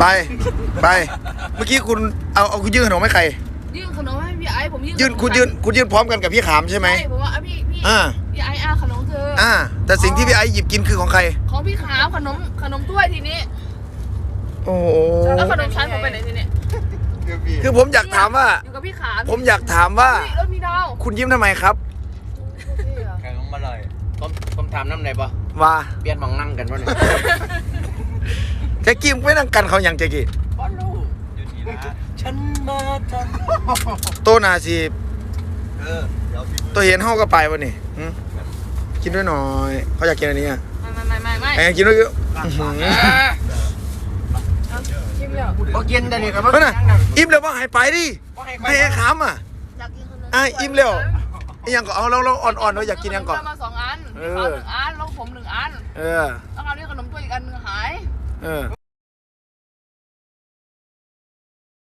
ไปเมื่อกี้คุณเอาคุณยื่นขนมให้ใครยื่นขนมให้พี่ไอ้ผมยื่นคุณยื่นพร้อมกันกับพี่ขามใช่ไหมใช่ผมว่าพี่ไอ้ขนมเธอแต่สิ่งที่พี่ไอ้หยิบกินคือของใครของพี่ขามขนมถ้วยทีนี้โอ้แล้วขนมชั้นผมไปไหนทีนี้คือผมอยากถามว่าอยู่กับพี่ขามผมอยากถามว่ามีดาวคุณยิ้มทำไมครับแข่งมาเลยผมถามน้ำไหนปะว่าเปลี่ยนมองนั่งกันวะเนี่ยแจ็กกี้ไม่นั่งกันเขาอย่างแจ็กกี้ฉันมาทำโตนาสิตัวเห็นห้องก็ไปวะนี่กินด้วยหน่อยเขาอยากกินอันนี้อ่ะไม่กินด้วยพอกินแต่นี่ก็เพราะน่ะอิ่มแล้วว่าหายไปดิให้ขามอิ่มแล้วยังก็เอาเราอ่อนๆเราอยากกินยังก่อนมา2 อันเขา1 อันแล้วผม1 อันแล้วคราวนี้ขนมถ้วยอีกอันนึงหาย